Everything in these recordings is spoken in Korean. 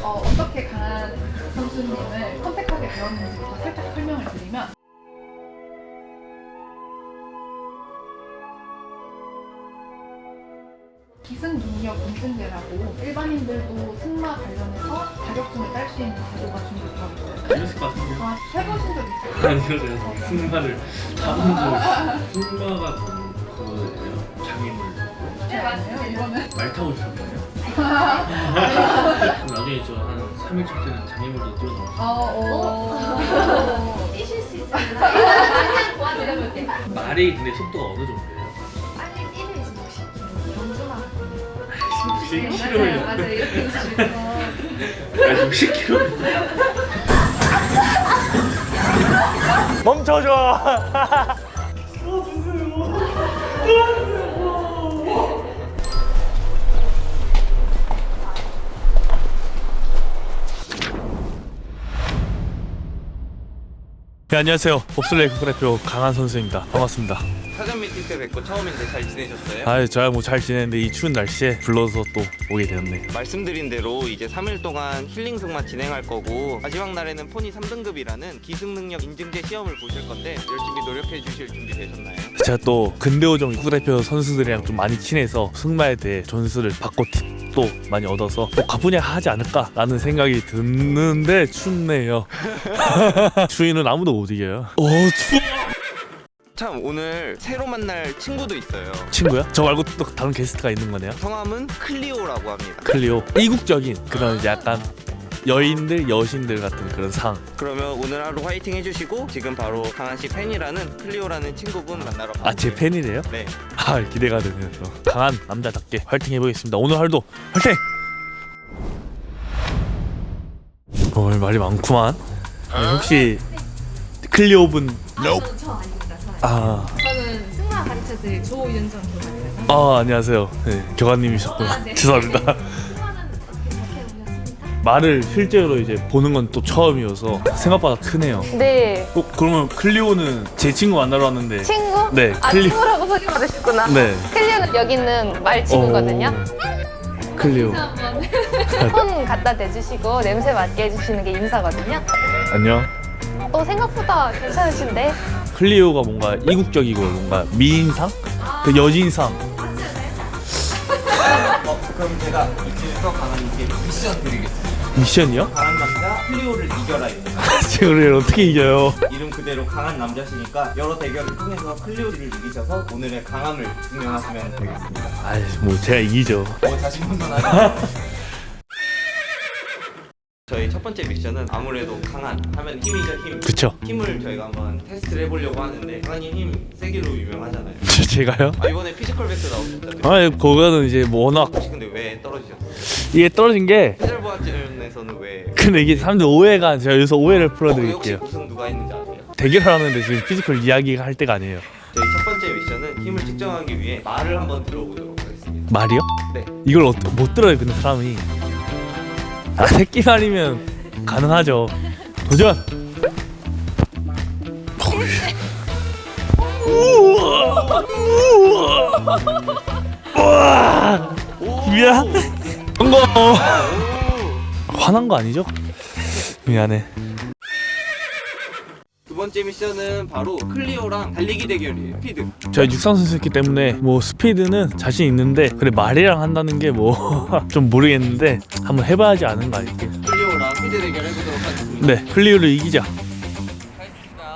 어떻게 강한 선수님을 선택하게 되었는지부터 살짝 설명을 드리면 기승 능력 인증제라고 일반인들도 승마 관련해서 자격증을 딸 수 있는 제도가 준비되어 있어요. 재밌을 것 같은데요? 해보신 적 있어요? 아니요, 제가 승마를 타본 적 승마가 그거예요? 장애물 네, 맞아요. 이거는 말 타고 싶었어요. 나중에 저 한 3일차 때는 장애물도 뛰어넘었어요. 뛰실 수 있어요. 그냥 도와드려볼게요. 말이 근데 속도가 어느 정도예요? 빨리 뛰면 이제 60km. 경주만. 60km요? 맞아요. 이렇게 있으면. 60km? 멈춰줘. 네, 안녕하세요. 봅슬레이 국가대표 강한 선수입니다. 반갑습니다. 사전 미팅 때 뵙고 처음인데 잘 지내셨어요? 아, 저야 뭐 잘 지내는데 이 추운 날씨에 불러서 또 오게 되었네. 말씀드린 대로 이제 3일 동안 힐링 승마 진행할 거고 마지막 날에는 포니 3등급이라는 기승능력 인증제 시험을 보실 건데 열심히 노력해 주실 준비 되셨나요? 제가 또 근대오종 국가대표 선수들이랑 좀 많이 친해서 승마에 대해 전수를 받고 팁도 많이 얻어서 또 가뿐히 하지 않을까라는 생각이 드는데 춥네요. 추위는 아무도 못 이겨요. 오, 추워. 참 오늘 새로 만날 친구도 있어요. 친구야? 저 말고 또 다른 게스트가 있는 거네요. 성함은 클리오라고 합니다. 클리오. 이국적인 그런 이제 약간 여인들, 여신들 같은 그런 상. 그러면 오늘 하루 화이팅 해주시고 지금 바로 강한씨 팬이라는 클리오라는 친구분 만나러 가볼게요. 아, 제 팬이래요? 네. 아, 기대가 되네요. 강한 남자답게 화이팅 해보겠습니다. 오늘 하루도 화이팅! 오늘 말이 많구만. 아니, 혹시 클리오분? 저 아닙니다. 저 아, 저는 승마 가르쳐드릴 조윤정 교관입니다. 아, 안녕하세요. 네, 교관님이셨구나. 네. 죄송합니다. 승마는 어떻게 접해보셨습니까? 말을 실제로 이제 보는 건 또 처음이어서 생각보다 크네요. 네. 그러면 클리오는 제 친구 만나러 왔는데. 친구? 네, 아, 클리- 친구라고 소리 받으셨구나. 네. 클리오는 여기 있는 말 친구거든요. 클리오. 손 갖다 대주시고 냄새 맡게 해주시는 게 인사거든요. 안녕. 생각보다 괜찮으신데? 클리오가 뭔가 이국적이고 뭔가 미인상? 그 여진상. 그럼 제가 이제부터 강한님께 미션 드리겠습니다. 미션이요? 강한 남자 클리오를 이겨라입니다. 제가 어떻게 이겨요? 이름 그대로 강한 남자시니까 여러 대결을 통해서 클리오를 이기셔서 오늘의 강함을 증명하시면 되겠습니다. 아이, 뭐 제가 이기죠. 자신만만하죠. 저희 첫 번째 미션은 아무래도 강한 하면 힘이죠, 힘. 그쵸? 힘을 저희가 한번 테스트를 해보려고 하는데 강한이 힘 세기로 유명하잖아요. 제가요? 이번에 피지컬 베스트 나오셨잖아요. 아, 그거는 이제 뭐 워낙 혹시 근데 왜 떨어지셨어요? 이게 떨어진 게 해설부학전에서는 왜? 근데 이게 사람들 오해가 제가 여기서 오해를 혹시 풀어드릴게요. 우승 누가 했는지 아세요? 대결을 하는데 지금 피지컬 이야기가 할 때가 아니에요. 저희 첫 번째 미션은 힘을 측정하기 위해 말을 한번 들어보도록 하겠습니다. 말이요? 네. 이걸 못 들어요, 근데 사람이. 아, 새끼 말이면 가능하죠. 도전! 우와! 우와! 미안. 성공! 화난 거 아니죠? 미안해. 두 번째 미션은 바로 클리오랑 달리기 대결이에요. 스피드. 제가 육상 선수였기 때문에 뭐 스피드는 자신 있는데 그래 말이랑 한다는 게 뭐 좀 모르겠는데 한번 해봐야지 아는 거 아닐게. 클리오랑 스피드 대결 해보도록 하겠습니다. 네, 클리오를 이기자. 가겠습니다.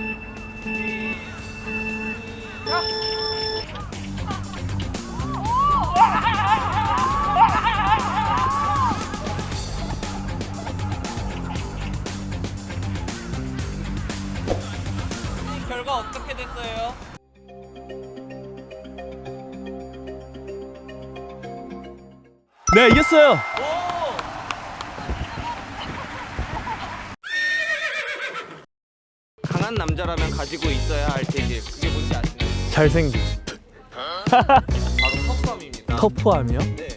결과 어떻게 됐어요? 네, 이겼어요. 강한 남자라면 가지고 있어야 할 재질 그게 뭔지 아시나요? 잘생김. 바로 터프함입니다. 터프함이요? 네.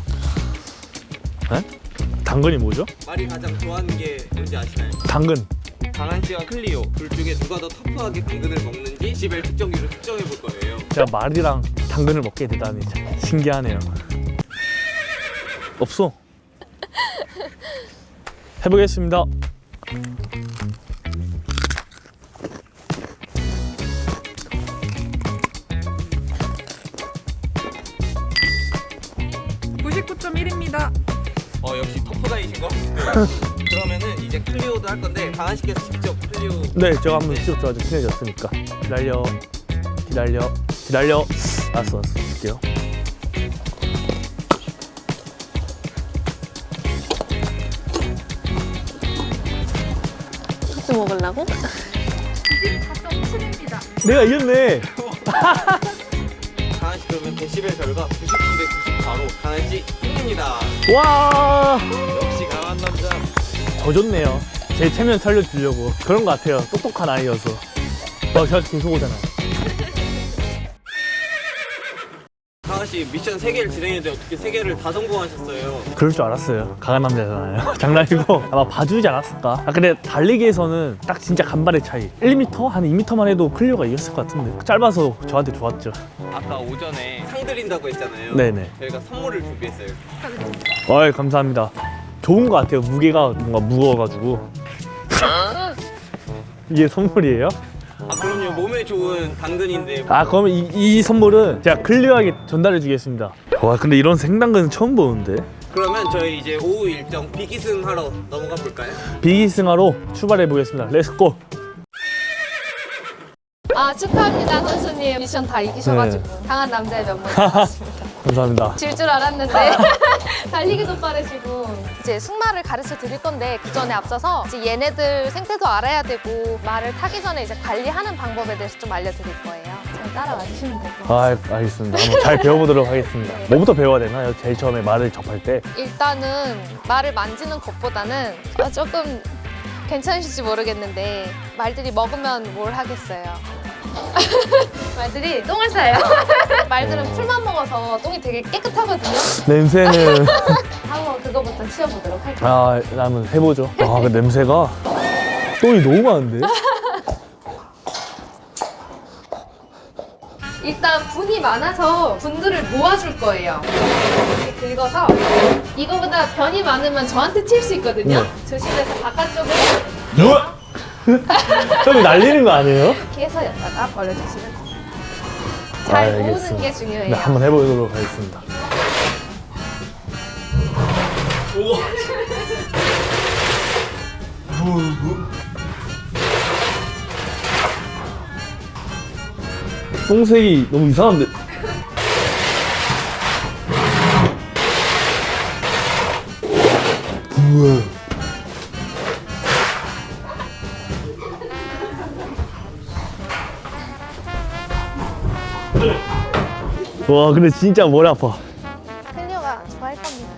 당근이 뭐죠? 말이 가장 좋아하는 게 뭔지 아시나요? 당근. 강한 씨와 클리오 둘 중에 누가 더 터프하게 당근을 먹는지 디시벨 측정기로 측정해 볼 거예요. 제가 말이랑 당근을 먹게 되다니 참 신기하네요. 없어. 해보겠습니다. 역시 터프가이신 것 같아요. 그러면은 이제 클리오도 할 건데 강한 씨께서 직접 클리오. 네, 제가 한번 직접 좋아져 친해졌으니까. 기다려. 알았어, 줄게요. 또 먹으려고? 24.7입니다. 내가 이겼네. 강한 씨 그러면 데시벨 결과 99대 94로 강한 씨 승리입니다. 와, 역시 강한 남자. 더 좋네요. 제 체면 살려주려고 그런 것 같아요. 똑똑한 아이여서. 제가 계속 오잖아요. 강한 씨 미션 3개를 진행했는데 어떻게 3개를 다 성공하셨어요? 그럴 줄 알았어요. 강한 남자잖아요. 장난이고 아마 봐주지 않았을까. 근데 달리기에서는 딱 진짜 간발의 차이. 1m? 한 2m만 해도 클리오가 이겼을 것 같은데 짧아서 저한테 좋았죠. 아까 오전에 상 드린다고 했잖아요. 네네. 저희가 선물을 준비했어요. 어이, 감사합니다. 좋은 것 같아요. 무게가 뭔가 무거워가지고. 이게 선물이에요? 아 그럼요. 몸에 좋은 당근인데. 아, 그러면 이 선물은 제가 클리어하게 전달해 주겠습니다. 와, 근데 이런 생당근은 처음 보는데. 그러면 저희 이제 오후 일정 비기승 하러 넘어가 볼까요? 비기승하로 출발해 보겠습니다. 렛츠고. 아, 축하합니다, 선수님. 미션 다 이기셔가지고 강한 남자의 면모를 보였습니다. 감사합니다. 질 줄 알았는데 달리기도 빠르시고. 이제 승마를 가르쳐 드릴 건데 그 전에 앞서서 이제 얘네들 생태도 알아야 되고 말을 타기 전에 이제 관리하는 방법에 대해서 좀 알려드릴 거예요. 잘 따라와 주시면 될 것 같아요. 아, 알겠습니다. 한번 잘 배워보도록 하겠습니다. 뭐부터 배워야 되나요? 제일 처음에 말을 접할 때. 일단은 말을 만지는 것보다는 조금 괜찮으실지 모르겠는데 말들이 먹으면 뭘 하겠어요. 말들이 똥을 싸요. 말들은 풀만 먹어서 똥이 되게 깨끗하거든요. 냄새는 한번 그거부터 치워보도록 할게요. 아, 한번 해보죠. 아, 그 냄새가 똥이 너무 많은데? 일단 분이 많아서 분들을 모아줄 거예요. 이렇게 긁어서 이거보다 변이 많으면 저한테 칠 수 있거든요. 네. 조심해서 바깥쪽으로 똥이 날리는 거 아니에요? 이렇게 해서 여기다가 버려주시면 돼요. 잘 모으는 알겠습니다. 게 중요해요. 네, 한번 해보도록 하겠습니다. 똥색이 너무 이상한데. 우와. 와, 근데 진짜 머리 아파. 클리어가 좋아할 겁니다.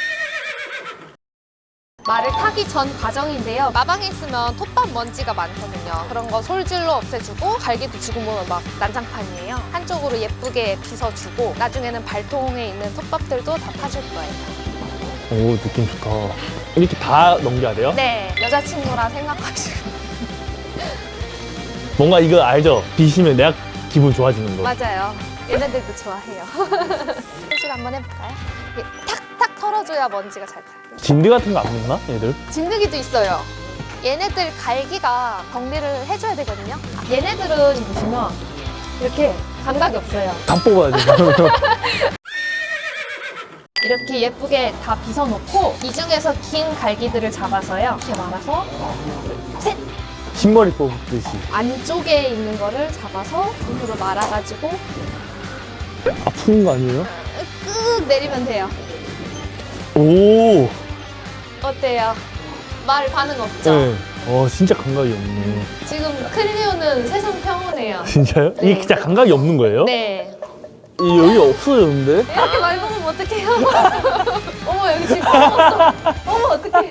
말을 타기 전 과정인데요. 마방에 있으면 톱밥 먼지가 많거든요. 그런 거 솔질로 없애주고 갈기도 지금 보면 막 난장판이에요. 한쪽으로 예쁘게 빗어주고 나중에는 발통에 있는 톱밥들도 다 파줄 거예요. 오, 느낌 좋다. 이렇게 다 넘겨야 돼요? 네, 여자친구라 생각하시고. 뭔가 이거 알죠? 비시면 내가 기분 좋아지는 거. 맞아요. 얘네들도 좋아해요. 솔질 한번 해볼까요? 이게 탁탁 털어줘야 먼지가 잘 타요. 진드 같은 거 안 먹나? 얘들? 진드기도 있어요. 얘네들 갈기가 정리를 해줘야 되거든요. 얘네들은 보시면 이렇게 감각이 없어요. 다 뽑아야 돼. 이렇게 예쁘게 다 빗어놓고 이 중에서 긴 갈기들을 잡아서요. 이렇게 말아서 셋! 흰머리 뽑듯이. 안쪽에 있는 거를 잡아서 손으로 말아가지고 아픈 거 아니에요? 끄 내리면 돼요. 오. 어때요? 말 반응 없죠? 네. 진짜 감각이 없네. 지금 클리오는 세상 평온해요. 진짜요? 네. 이게 진짜 감각이 없는 거예요? 네. 여기 없어졌는데? 이렇게 말 먹으면 어떡해요? 어머 여기 지금 먹었어. 어머 어떡해.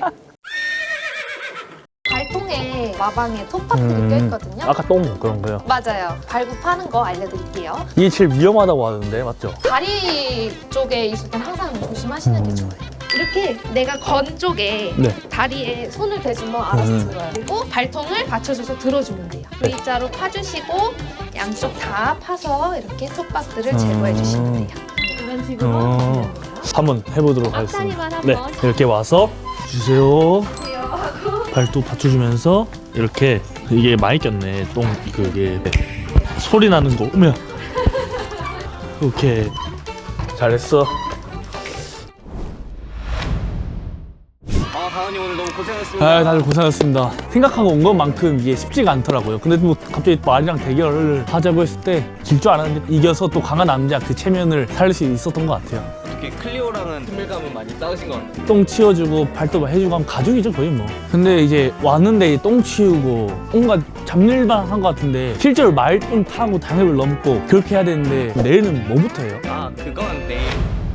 발통에 마방에 톱밥들이 껴있거든요. 아까 똥 그런 거요. 맞아요. 발굽하는 거 알려드릴게요. 이게 제일 위험하다고 하는데 맞죠? 다리 쪽에 있을 땐 항상 조심하시는 게 좋아요. 이렇게 내가 건 쪽에 네. 다리에 손을 대주면 알아서 들어요. 그리고 발통을 받쳐줘서 들어주면 돼요. V자로 파주시고 양쪽 다 파서 이렇게 톱밥들을 제거해 주시면 돼요. 이런 식으로 하면 돼요. 한번 해보도록 하겠습니다. 앞다리만 네, 한번. 이렇게 와서 주세요. 보세요. 발도 받쳐주면서 이렇게 이게 많이 꼈네. 똥 그게 소리 나는 거. 어머야. 오케이 잘했어. 강원님 오늘 너무 고생하셨습니다. 다들 고생하셨습니다. 생각하고 온 것만큼 이게 쉽지가 않더라고요. 근데 뭐 갑자기 말이랑 대결을 하자고 했을 때 질 줄 알았는데 이겨서 또 강한 남자 그 체면을 살릴 수 있었던 것 같아요. 특히 클리오랑은 친밀감은 많이 쌓으신 것 같아요. 똥 치워주고 발도 해주고 하면 가족이죠 거의 뭐. 근데 이제 왔는데 똥 치우고 온갖 잡일만 한 것 같은데 실제로 말똥 타고 당협을 넘고 그렇게 해야 되는데 내일은 뭐부터 해요? 그건 내일.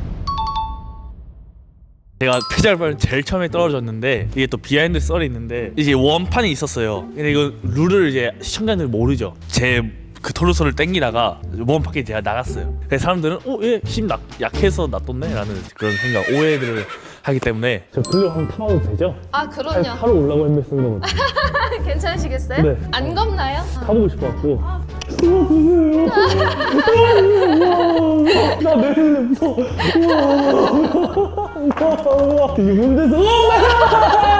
제가 페달발은 제일 처음에 떨어졌는데 이게 또 비하인드 썰이 있는데 이제 원판이 있었어요. 근데 이거 룰을 이제 시청자들이 모르죠. 제 그 토르소를 땡기다가 원판에 제가 나갔어요. 그래서 사람들은 얘 힘 약해서 놔뒀네 라는 그런 생각 오해들을 하기 때문에 저 글로 한번 타봐도 되죠? 아 그럼요. 타러 오려고 했는데 쓴 거거든요. 괜찮으시겠어요? 네. 안 겁나요? 타보고 싶어갖고 나 내일 무서워. 이게 뭔데서